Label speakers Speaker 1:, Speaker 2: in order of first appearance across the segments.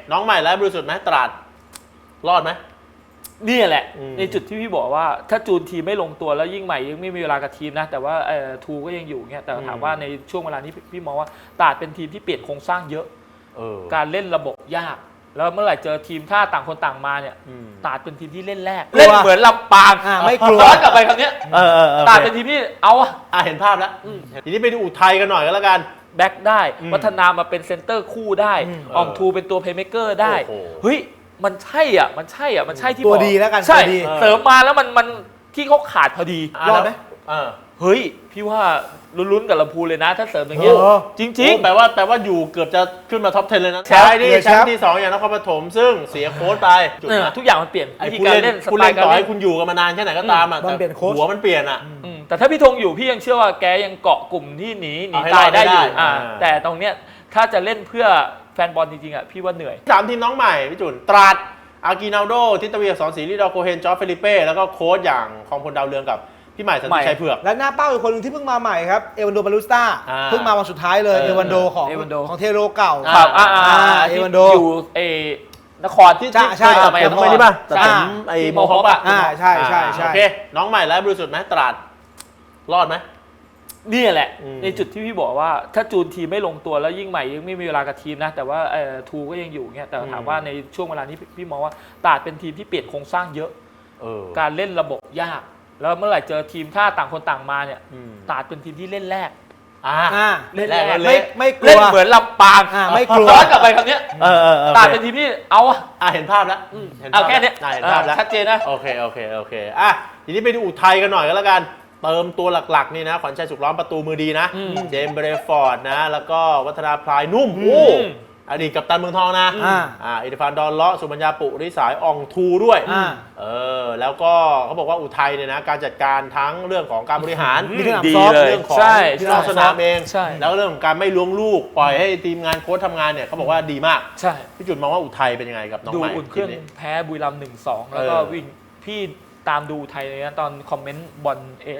Speaker 1: น้องใหม่และบริสุทธิ์ไหมตราดรอดไหม
Speaker 2: นี่แหละในจุดที่พี่บอกว่าถ้าจูนทีมไม่ลงตัวแล้วยิ่งใหม่ยังไม่มีเวลากับทีมนะแต่ว่าทูก็ยังอยู่เงี้ยแต่ถามว่าในช่วงเวลานี้พี่มองว่าตราดเป็นทีมที่เปลี่ยนโครงสร้างเยอะการเล่นระบบยากแล้วเมื่อไหร่เจอทีมถ้าต่างคนต่างมาเนี่ยตราดเป็นทีมที่เล่นแรกเล่นเหมือนลำปาง
Speaker 3: ไม่กลัว
Speaker 2: ย้อนกลับไปคำนี้ตราดเป็นทีมที่เอา
Speaker 1: เห็นภาพแล้วทีนี้ไปดูอุทัยกันหน่อยก็แล้วกัน
Speaker 2: แบ็คได้วัฒนามาเป็นเซนเตอร์คู่ได้อองทูเป็นตัวเพลย์เมคเกอร์ได้เฮ้ยมันใช่ที่
Speaker 3: ตัวดีแล้วกัน
Speaker 2: ใช่เสริมมาแล้วมันที่เขาขาดพอดี
Speaker 3: รอดไหม
Speaker 2: เฮ้ยพี่ว่าลุ้นๆกับลำพูนเลยนะถ้าเสริมอย่างเงี้ยจริง
Speaker 1: ๆแปลว่าอยู่เกือบจะขึ้นมาท็อป 10เลยนะใช่ดิแชมป์ที่2อย่างนครปฐมซึ่งเสียโค้ชไป
Speaker 2: ทุกอย่างมันเปลี่ยนวิธีการเล่น
Speaker 1: สไตล์การเล่นต่อให้คุณอยู่กันมานานแค่ไหนก็ตามแต่หัวมันเปลี่ยน
Speaker 2: แต่ถ้าพี่ธงอยู่พี่ยังเชื่อว่าแกยังเกาะกลุ่มที่หนีตายได้อยู่แต่ตรงเนี้ยถ้าจะเล่นเพื่อแฟนบอลจริงๆพี่ว่าเหนื่อย
Speaker 1: 3ทีมน้องใหม่พี่จุนตราดอากินาโดทิตเวียสอนศรีลิดอโคเฮนจอร์จเฟลิเป้แล้วก็โค้ชอย่างของพลดาวเรืองกับพี่ใหม่สันติชัยเผือก
Speaker 3: และหน้าเป้าอีกคนหนึ่งที่เพิ่งมาใหม่ครับเอวันโดบาลูสตาเพิ่งมาวันสุดท้ายเลยเอวันโดของเทโรเก่า
Speaker 2: ครับ
Speaker 3: เอวันโด
Speaker 2: อยู่นครที่
Speaker 3: ใช่
Speaker 1: ผมไม่ได้ป่ะแต่ผมโมฮอป
Speaker 3: ใช่
Speaker 1: โอเคน้องใหม่และบริสุทธิ์ไหมตราดรอดไหม
Speaker 2: นี่แหละในจุดที่พี่บอกว่าถ้าจูนทีมไม่ลงตัวแล้วยิ่งใหม่ยังไม่มีเวลากับทีมนะแต่ว่าทูก็ยังอยู่เงี้ยแต่ถามว่าในช่วงเวลานี้พี่มองว่าตราดเป็นทีมที่เปลี่ยนโครงสร้างเยอะการเล่นระบบยากแล้วเมื่อไหร่เจอทีมถ้าต่างคนต่างมาเนี่ยตราดเป็นทีมที่เล่นแรก
Speaker 3: เล่นแรก
Speaker 2: ไม่กลัวเล่นเหมือนลำปาง
Speaker 3: ไม่กลัว
Speaker 2: ย้อนกลับไปคำนี้ตราดเป็นทีมที่เอา
Speaker 1: เห็นภาพแล้ว
Speaker 2: แค่นี้
Speaker 1: เห็นภาพแล้ว
Speaker 2: ชัดเจนนะ
Speaker 1: โอเคทีนี้ไปดูอุทัยกันหน่อยก็แล้วกันเติมตัวหลักๆนี่นะขวัญชัยสุขล้อมประตูมือดีนะเจมส์เบรฟอร์ดนะแล้วก็วัฒนาพลายนุ่มอดีตกัปตันเมืองทองนะอิทฟานดอนเลาะสุบัญญาปุริสายอองทูด้วยแล้วก็เขาบอกว่าอุทัยเนี่ยนะการจัดการทั้งเรื่องของการบริหาร
Speaker 2: ดีเลย
Speaker 1: เรื่องของที่นอกสนามเองแล้วเรื่องของการไม่ล้วงลูกปล่อยให้ทีมงานโค้ชทำงานเนี่ยเขาบอกว่าดีมาก
Speaker 2: ใช่
Speaker 1: พี่จุดมองว่าอุทัยเป็นยังไงกับน้องใหม่
Speaker 2: ดูอุ่นเครื่องแพ้บุรีรัมย์ 1-2 แล้วก็วิ่งพี่ตามดูอุทัยเลยนะตอนคอมเมนต์บอล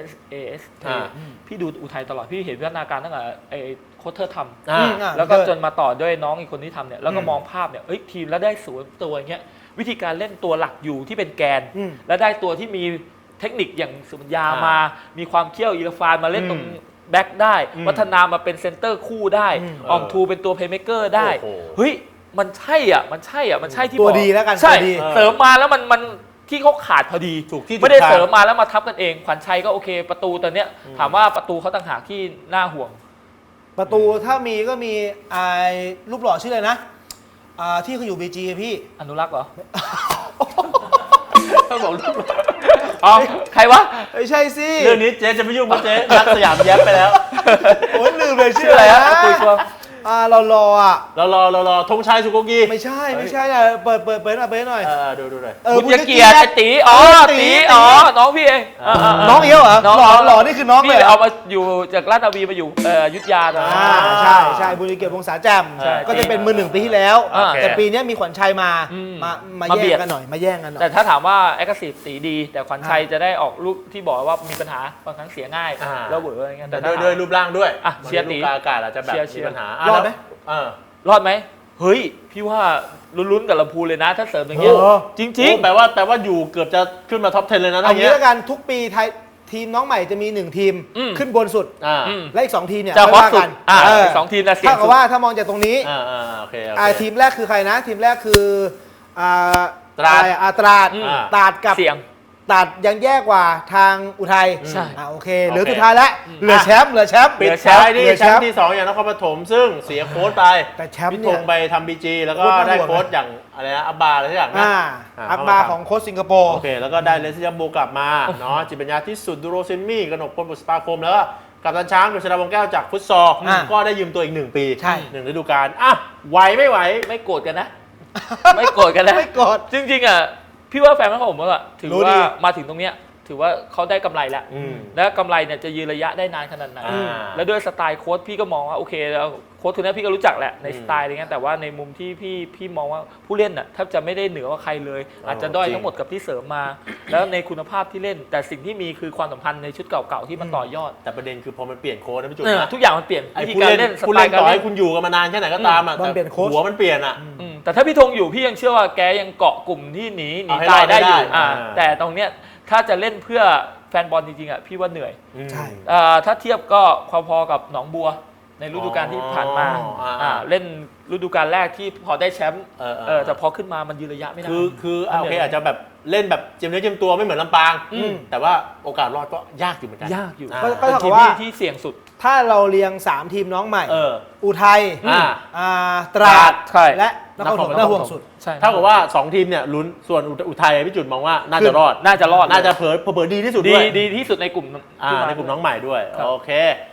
Speaker 2: AS พี่ดูอุทัยตลอดพี่เห็นพัฒนาการตั้งแต่โค้ชเธอทำแล้วก็จนมาต่อด้วยน้องอีกคนที่ทำเนี่ยแล้วก็มองภาพเนี่ยทีมแล้วได้สวนตัวอย่างเงี้ยวิธีการเล่นตัวหลักอยู่ที่เป็นแกนแล้วได้ตัวที่มีเทคนิคอย่างสุบัญญามามีความเขี้ยวอีรฟานมาเล่นตรงแบ็คได้วัฒนามาเป็นเซนเตอร์คู่ได้อองทูเป็นตัวเพลย์เมคเกอร์ได้เฮ้ยมันใช่ที่
Speaker 3: ตัวดีแล้วกัน
Speaker 2: ใช่เสริมมาแล้วมันที่เขาขาดพอดีไม่ได้เสริมมาแล้วมาทับกันเองขวัญชัยก็โอเคประตูตอนเนี้ยถามว่าประตูเขาต่างหากที่น่าห่วง
Speaker 3: ประตูถ้ามีก็มีรูปหล่อชื่ออะไรนะที่เขาอยู่บีจีพี่
Speaker 2: อนุรักษ์เหรอเขาบอกรูปใครวะ
Speaker 3: ไม่ใช่สิ
Speaker 1: เรื่องนี้เจ๊จะไม่ยุ่งเพราะเจ๊รักสยามแย้มไปแล้ว
Speaker 3: โอ้ยลืมเลยชื่ออะไรฮะ
Speaker 2: คุยชัว
Speaker 3: เรารอ
Speaker 1: ธงชัยสุโกกี
Speaker 3: ไม่ใช่นะเปิดหน่อย
Speaker 1: ดูหน่อย
Speaker 2: บุญเกียรติตีน้องพี่เอง
Speaker 3: น้องเอี้ยวเหรอหล่อนี่คือน้องเลย
Speaker 2: เอามาอยู่จากราชนาวีมาอยู่ยุทธยา
Speaker 3: ใช่บุญเกียรติวงศาแจ่มก็จะเป็นมือ 1ปีที่แล้วแต่ปีนี้มีขวัญชัยมาแย่งกันหน่อย
Speaker 2: แต่ถ้าถามว่าแอคทีฟตีดีแต่ขวัญชัยจะได้ออกลูกที่บอกว่ามีปัญหาบางครั้งเสียง่ายแล้วเบื่ออะไรเงี้ย
Speaker 1: แต่ด้วยรูปร่างด้วย
Speaker 2: เชียร์ตี
Speaker 1: อากาศอาจจะแบบมีปัญหาร
Speaker 2: อดไหมเฮ้ยพี่ว่าลุ้นๆกับลำพูนเลยนะถ้าเสริมอย่างเงี้ยจริง
Speaker 1: ๆแปลว่าอยู่เกือบจะขึ้นมาท็อป 10เลยนะ
Speaker 3: เอางี้แล้วกันทุกปีไทยทีมน้องใหม่จะมี1ทีมขึ้นบนสุดและอีก2ทีมเนี่ย
Speaker 2: จะฮอตสุด2ทีมนะเสียง
Speaker 3: ถ้ากับว่าถ้ามองจากตรงนี้ทีมแรกคือใครนะทีมแรกคือตราดกับตัดยังแย่กว่าทางอุทัย
Speaker 2: ใช่
Speaker 3: โอเคเหลือสุดท้ายแล้วเหลือแชมป์
Speaker 1: ปิดแชมป์นี่แชมป์ที่2อย่างนครปฐมซึ่งเสียโค้ชไป
Speaker 3: แต่แชมป์
Speaker 1: พี่ธงไปทำบีจีแล้วก็ได้โค้ชอย่างอะไรนะอับบาอะไรสักอย่างนะ
Speaker 3: อับบาของโค้ชสิงคโปร์
Speaker 1: โอเคแล้วก็ได้เลสยาโบกลับมาเนาะจิตปัญญาที่สุดดูโรเซนมี่กนกพลบุษปาคมแล้วก็กัปตันช้างกฤษณาวงแก้วจากฟุตซอลก็ได้ยืมตัวอีก1ปี1ฤดูกาลไหวไม่ไหว
Speaker 2: ไม่โกรธกันนะไม่โกรธกันนะ
Speaker 3: ไม่โกรธ
Speaker 2: จริงๆพี่ว่าแฟนของผมถือว่ามาถึงตรงเนี้ยถือว่าเขาได้กำไรแล้ว
Speaker 1: อืม
Speaker 2: แล้วกำไรเนี่ยจะยืนระยะได้นานขนาดไหน
Speaker 1: อ่า
Speaker 2: แล้วด้วยสไตล์โค้ชพี่ก็มองว่าโอเคแล้วโค้ชคนนี้พี่ก็รู้จักแหละในสไตล์อะไรเงี้ยแต่ว่าในมุมที่พี่มองว่าผู้เล่นน่ะแทบจะไม่ได้เหนือกว่าใครเลย อาจจะด้อยทั้งหมดกับที่เสริมมา แล้วในคุณภาพที่เล่น แต่สิ่งที่มีคือความสัมพันธ์ในชุดเก่าๆที่มันต่อยอด
Speaker 1: แต่ประเด็นคือพอมันเปลี่ยนโค้ชนะพี่จุ๊บ
Speaker 2: เออ
Speaker 1: นะ
Speaker 2: ทุกอย่างมันเปลี่ยน
Speaker 1: ไอ้
Speaker 2: วิธี
Speaker 1: ผู้
Speaker 2: การ
Speaker 1: เล่น
Speaker 2: เล่นส
Speaker 1: ผู้
Speaker 2: ไต
Speaker 1: เล่น
Speaker 2: ล์การ
Speaker 1: ต่อ
Speaker 2: เล่
Speaker 1: ให้
Speaker 2: น
Speaker 1: คุณอยู่กันมานานแค่ไหนก็ตามอ่ะ
Speaker 3: มันเปลี่ยนโค้ช
Speaker 1: หัวมันเปลี่ยนอ่ะ
Speaker 2: แต่ถ้าพี่ธงอยู่พี่ยังเชื่อว่าแกยังเกาะกลุ่มที่หนี
Speaker 1: เอาให้
Speaker 2: ตายได้อยู่
Speaker 1: รอดได้
Speaker 2: แต่ตรงเนี้ยถ้าจะเล่นเพื่อแฟนบอลจริงๆอ่ะพี่ว่าเหนื่อย
Speaker 3: ใช่
Speaker 2: ถ้าเทียบก็พอๆกับหนองบัวในฤดูกาลที่ผ่านมา เล่นฤดูกาลแรกที่พอได้แชมป์แต่พอขึ้นมามันยืนระยะไม่ได้
Speaker 1: คือโอเคอาจจะแบบเล่นแบบเจียมเนื้อเจียมตัวไม่เหมือนลำปาง แต่ว่าโอกาสรอดก็ยากอยู่เหมือนกัน
Speaker 2: ยากอยู่
Speaker 1: อ่า
Speaker 3: ก็
Speaker 2: เป็น
Speaker 3: เท่า
Speaker 2: ที
Speaker 3: กับ
Speaker 2: ม
Speaker 3: ว่า
Speaker 2: ที่เสี่ยงสุด
Speaker 3: ถ้าเราเรียง 3 ทีมน้องใหม่ อุทัย
Speaker 1: อ่า
Speaker 3: ตราด
Speaker 2: ใช่
Speaker 3: และนครปฐมน่าห่วงสุด
Speaker 2: ใช่
Speaker 1: เท่ากับว่า 2 ทีมเนี่ยลุ้นส่วนอุทัยพี่จุดมองว่าน่าจะรอด
Speaker 2: น่าจะรอด
Speaker 1: น่าจะเผลอดีที่สุดด้วย
Speaker 2: ดีที่สุดในกลุ่ม
Speaker 1: ในกลุ่มน้องใหม่ด้วย
Speaker 2: ครับ
Speaker 1: โอเค